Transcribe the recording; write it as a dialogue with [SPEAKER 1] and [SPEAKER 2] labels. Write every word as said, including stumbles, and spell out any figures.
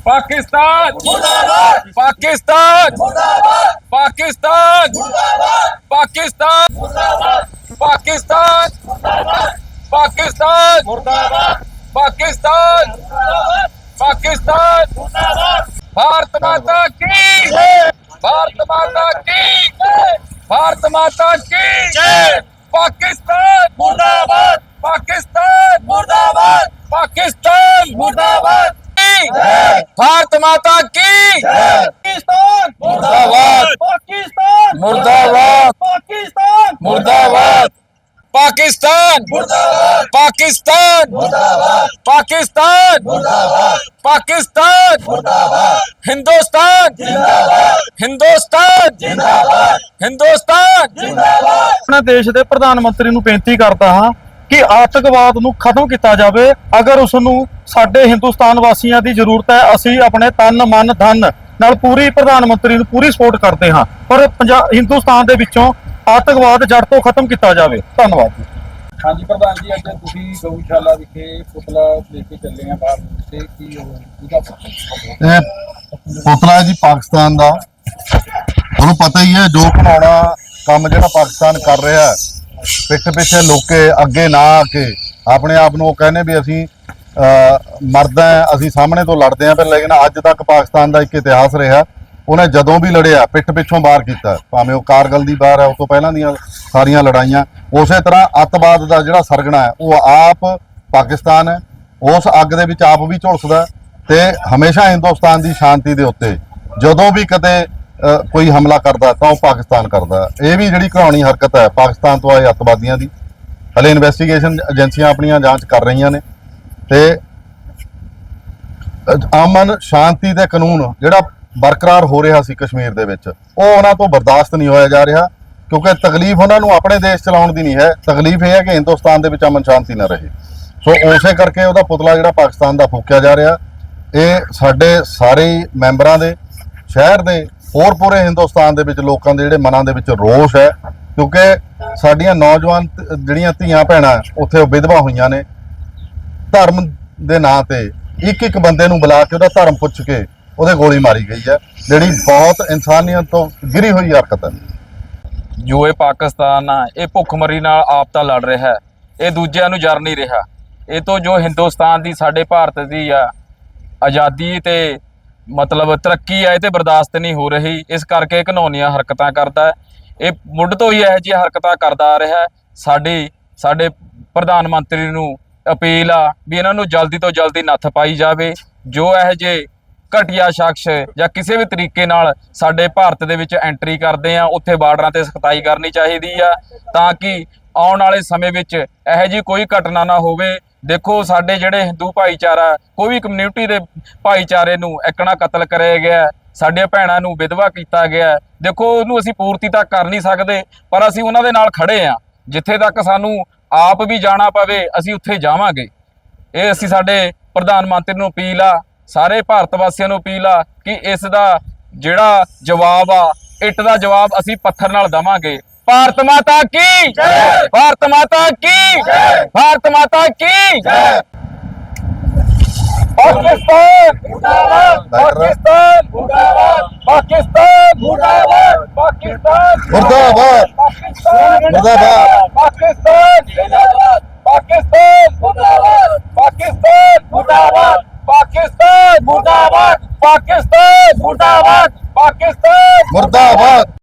[SPEAKER 1] पाकिस्तान मुर्दाबाद, पाकिस्तान मुर्दाबाद, पाकिस्तान मुर्दाबाद, पाकिस्तान मुर्दाबाद, पाकिस्तान मुर्दाबाद, पाकिस्तान मुर्दाबाद, पाकिस्तान मुर्दाबाद, पाकिस्तान मुर्दाबाद। भारत माता की जय, भारत माता की जय, भारत माता की जय। पाकिस्तान मुर्दाबाद, पाकिस्तान मुर्दाबाद, पाकिस्तान मुर्दाबाद, भारत माता की
[SPEAKER 2] पाकिस्तान
[SPEAKER 1] मुर्दाबाद,
[SPEAKER 2] पाकिस्तान
[SPEAKER 1] मुर्दाबाद,
[SPEAKER 2] पाकिस्तान
[SPEAKER 1] मुर्दाबाद, पाकिस्तान मुर्दाबाद, पाकिस्तान मुर्दाबाद, पाकिस्तान मुर्दाबाद, पाकिस्तान मुर्दाबाद, हिंदुस्तान जिंदाबाद, हिंदुस्तान जिंदाबाद, हिंदुस्तान जिंदाबाद।
[SPEAKER 2] अपने देश के प्रधानमंत्री ਨੂੰ ਬੇਨਤੀ ਕਰਦਾ ਹਾਂ कि आतंकवाद ਨੂੰ ਖਤਮ ਕੀਤਾ ਜਾਵੇ। ਅਗਰ ਉਸ ਨੂੰ ਸਾਡੇ ਹਿੰਦੁਸਤਾਨ ਵਾਸੀਆਂ ਦੀ ਜ਼ਰੂਰਤ ਹੈ, ਅਸੀਂ ਆਪਣੇ ਤਨ ਮਨ ਧਨ ਨਾਲ ਪੂਰੀ ਪ੍ਰਧਾਨ ਮੰਤਰੀ ਨੂੰ ਪੂਰੀ ਸਪੋਰਟ ਕਰਦੇ ਹਾਂ, ਪਰ ਪੰਜਾਬ ਹਿੰਦੁਸਤਾਨ ਦੇ ਵਿੱਚੋਂ ਆਤੰਕਵਾਦ ਜੜ ਤੋਂ ਖਤਮ ਕੀਤਾ ਜਾਵੇ। ਧੰਨਵਾਦ ਜੀ।
[SPEAKER 3] ਹਾਂਜੀ ਪ੍ਰਧਾਨ ਜੀ, ਅੱਜ ਤੁਸੀਂ ਗਊਸ਼ਾਲਾ ਵਿਖੇ ਪੁਤਲਾ ਲੈ ਕੇ ਚੱਲੇ ਆ ਬਾਹਰ ਨੂੰ ਤੇ ਕੀ ਉਹਦਾ
[SPEAKER 4] ਇਹ ਪੁਤਲਾ ਹੈ ਜੀ ਪਾਕਿਸਤਾਨ ਦਾ। ਤੁਹਾਨੂੰ ਪਤਾ ਹੀ ਹੈ ਜੋ ਘਿਨਾਉਣਾ ਕੰਮ ਜਿਹੜਾ ਪਾਕਿਸਤਾਨ ਕਰ ਰਿਹਾ ਹੈ, ਪਿੱਠ ਪਿੱਛੇ ਲੋਕੇ ਅੱਗੇ ਨਾ ਆ ਕੇ ਆਪਣੇ ਆਪ ਨੂੰ ਉਹ ਕਹਿੰਦੇ ਵੀ ਅਸੀਂ ਮਰਦਾ ਅਸੀਂ ਸਾਹਮਣੇ ਤੋਂ ਲੜਦੇ ਹਾਂ, ਪਰ ਲੇਕਿਨ ਅੱਜ ਤੱਕ ਪਾਕਿਸਤਾਨ ਦਾ ਇੱਕ ਇਤਿਹਾਸ ਰਿਹਾ, ਉਹਨੇ ਜਦੋਂ ਵੀ ਲੜਿਆ ਪਿੱਠ ਪਿੱਛੋਂ ਵਾਰ ਕੀਤਾ, ਭਾਵੇਂ ਉਹ ਕਾਰਗਲ ਦੀ ਵਾਰ ਹੈ, ਉਸ ਤੋਂ ਪਹਿਲਾਂ ਦੀਆਂ ਸਾਰੀਆਂ ਲੜਾਈਆਂ। ਉਸੇ ਤਰ੍ਹਾਂ ਅੱਤਵਾਦ ਦਾ ਜਿਹੜਾ ਸਰਗਣਾ ਹੈ ਉਹ ਆਪ ਪਾਕਿਸਤਾਨ ਹੈ, ਉਸ ਅੱਗ ਦੇ ਵਿੱਚ ਆਪ ਵੀ ਝੁਲਸਦਾ ਤੇ ਹਮੇਸ਼ਾ ਹਿੰਦੁਸਤਾਨ ਦੀ ਸ਼ਾਂਤੀ ਦੇ ਉੱਤੇ ਜਦੋਂ ਵੀ ਕਦੇ ਕੋਈ ਹਮਲਾ ਕਰਦਾ ਤਾਂ ਉਹ ਪਾਕਿਸਤਾਨ ਕਰਦਾ। ਇਹ ਵੀ ਜਿਹੜੀ ਘਰਾਉਣੀ ਹਰਕਤ ਹੈ ਪਾਕਿਸਤਾਨ ਤੋਂ ਆਏ ਅੱਤਵਾਦੀਆਂ ਦੀ, ਹਲੇ ਇਨਵੈਸਟੀਗੇਸ਼ਨ ਏਜੰਸੀਆਂ ਆਪਣੀਆਂ ਜਾਂਚ ਕਰ ਰਹੀਆਂ ਨੇ ਤੇ ਅਮਨ ਸ਼ਾਂਤੀ ਤੇ ਕਾਨੂੰਨ ਜਿਹੜਾ ਬਰਕਰਾਰ ਹੋ ਰਿਹਾ ਸੀ ਕਸ਼ਮੀਰ ਦੇ ਵਿੱਚ, ਉਹ ਉਹਨਾਂ ਤੋਂ ਬਰਦਾਸ਼ਤ ਨਹੀਂ ਹੋਇਆ ਜਾ ਰਿਹਾ, ਕਿਉਂਕਿ ਤਕਲੀਫ ਉਹਨਾਂ ਨੂੰ ਆਪਣੇ ਦੇਸ਼ ਚਲਾਉਣ ਦੀ ਨਹੀਂ ਹੈ, ਤਕਲੀਫ ਇਹ ਹੈ ਕਿ ਹਿੰਦੁਸਤਾਨ ਦੇ ਵਿੱਚ ਅਮਨ ਸ਼ਾਂਤੀ ਨਾ ਰਹੇ। ਸੋ ਉਸੇ ਕਰਕੇ ਉਹਦਾ ਪੁਤਲਾ ਜਿਹੜਾ ਪਾਕਿਸਤਾਨ ਦਾ ਫੂਕਿਆ ਜਾ ਰਿਹਾ, ਇਹ ਸਾਡੇ ਸਾਰੇ ਮੈਂਬਰਾਂ ਦੇ ਸ਼ਹਿਰ ਦੇ ਹੋਰ ਪੂਰੇ ਹਿੰਦੁਸਤਾਨ ਦੇ ਵਿੱਚ ਲੋਕਾਂ ਦੇ ਜਿਹੜੇ ਮਨਾਂ ਦੇ ਵਿੱਚ ਰੋਸ਼ ਹੈ, ਕਿਉਂਕਿ ਸਾਡੀਆਂ ਨੌਜਵਾਨ ਜਿਹੜੀਆਂ ਧੀਆਂ ਭੈਣਾਂ ਉੱਥੇ ਵਿਧਵਾ ਹੋਈਆਂ ਨੇ, ਧਰਮ ਦੇ ਨਾਂ ਤੇ ਇੱਕ ਇੱਕ ਬੰਦੇ ਨੂੰ ਬੁਲਾ ਕੇ ਉਹਦਾ ਧਰਮ ਪੁੱਛ ਕੇ ਉਹਦੇ ਗੋਲੀ ਮਾਰੀ ਗਈ ਹੈ, ਜਿਹੜੀ ਬਹੁਤ ਇਨਸਾਨੀਅਤ ਤੋਂ ਗਿਰੀ ਹੋਈ ਹਰਕਤ ਹੈ।
[SPEAKER 1] ਜੋ ਇਹ ਪਾਕਿਸਤਾਨ ਆ ਇਹ ਭੁੱਖਮਰੀ ਨਾਲ ਆਪ ਤਾਂ ਲੜ ਰਿਹਾ ਹੈ, ਇਹ ਦੂਜਿਆਂ ਨੂੰ ਜਰ ਨਹੀਂ ਰਿਹਾ। ਇਹ ਤੋਂ ਜੋ ਹਿੰਦੁਸਤਾਨ ਦੀ ਸਾਡੇ ਭਾਰਤ ਦੀ ਆ ਆਜ਼ਾਦੀ ਤੇ ਮਤਲਬ ਤਰੱਕੀ ਆ, ਇਹ ਤੇ ਬਰਦਾਸ਼ਤ ਨਹੀਂ ਹੋ ਰਹੀ, ਇਸ ਕਰਕੇ ਘਿਨੌਣੀਆਂ ਹਰਕਤਾਂ ਕਰਦਾ ਹੈ। ਇਹ ਮੁੱਢ ਤੋਂ ਹੀ ਇਹੋ ਜਿਹੀ ਹਰਕਤਾਂ ਕਰਦਾ ਆ ਰਿਹਾ। ਸਾਡੀ ਸਾਡੇ ਪ੍ਰਧਾਨ ਮੰਤਰੀ ਨੂੰ ਅਪੀਲ ਆ ਵੀ ਇਹਨਾਂ ਨੂੰ ਜਲਦੀ ਤੋਂ ਜਲਦੀ ਨੱਥ ਪਾਈ ਜਾਵੇ। ਜੋ ਇਹੋ ਜਿਹੇ ਘਟੀਆ ਸ਼ਖਸ ਜਾਂ ਕਿਸੇ ਵੀ ਤਰੀਕੇ ਨਾਲ ਸਾਡੇ ਭਾਰਤ ਦੇ ਵਿੱਚ ਐਂਟਰੀ ਕਰਦੇ ਆ, ਉੱਥੇ ਬਾਰਡਰਾਂ ਤੇ ਸਖਤਾਈ ਕਰਨੀ ਚਾਹੀਦੀ ਆ, ਤਾਂ ਕਿ ਆਉਣ ਵਾਲੇ ਸਮੇਂ ਵਿੱਚ ਇਹੋ ਜਿਹੀ ਕੋਈ ਘਟਨਾ ਨਾ ਹੋਵੇ। ਦੇਖੋ ਸਾਡੇ ਜਿਹੜੇ ਹਿੰਦੂ ਭਾਈਚਾਰਾ, ਕੋਈ ਵੀ ਕਮਿਊਨਿਟੀ ਦੇ ਭਾਈਚਾਰੇ ਨੂੰ ਇੱਕਣਾ ਕਤਲ ਕਰਿਆ ਗਿਆ, ਸਾਡੀਆਂ ਭੈਣਾਂ ਨੂੰ ਵਿਧਵਾ ਕੀਤਾ ਗਿਆ। ਦੇਖੋ ਉਹਨੂੰ ਅਸੀਂ ਪੂਰਤੀ ਤਾਂ ਕਰ ਨਹੀਂ ਸਕਦੇ, ਪਰ ਅਸੀਂ ਉਹਨਾਂ ਦੇ ਨਾਲ ਖੜੇ ਆ। ਜਿੱਥੇ ਤੱਕ ਸਾਨੂੰ ਆਪ ਵੀ ਜਾਣਾ ਪਵੇ ਅਸੀਂ ਉੱਥੇ ਜਾਵਾਂਗੇ। ਇਹ ਅਸੀਂ ਸਾਡੇ ਪ੍ਰਧਾਨ ਮੰਤਰੀ ਨੂੰ ਅਪੀਲ ਆ, ਸਾਰੇ ਭਾਰਤ ਵਾਸੀਆਂ ਨੂੰ ਅਪੀਲ ਆ ਕਿ ਇਸ ਦਾ ਜਿਹੜਾ ਜਵਾਬ ਆ, ਇੱਟ ਦਾ ਜਵਾਬ ਅਸੀਂ ਪੱਥਰ ਨਾਲ ਦੇਵਾਂਗੇ। भारत माता की जय, भारत माता की जय, भारत माता की जय। पाकिस्तान मुर्दाबाद, पाकिस्तान मुर्दाबाद, पाकिस्तान मुर्दाबाद, पाकिस्तान
[SPEAKER 4] मुर्दाबाद,
[SPEAKER 1] पाकिस्तान
[SPEAKER 4] मुर्दाबाद,
[SPEAKER 1] पाकिस्तान जिंदाबाद, पाकिस्तान मुर्दाबाद, पाकिस्तान मुर्दाबाद, पाकिस्तान मुर्दाबाद, पाकिस्तान मुर्दाबाद, पाकिस्तान
[SPEAKER 4] मुर्दाबाद।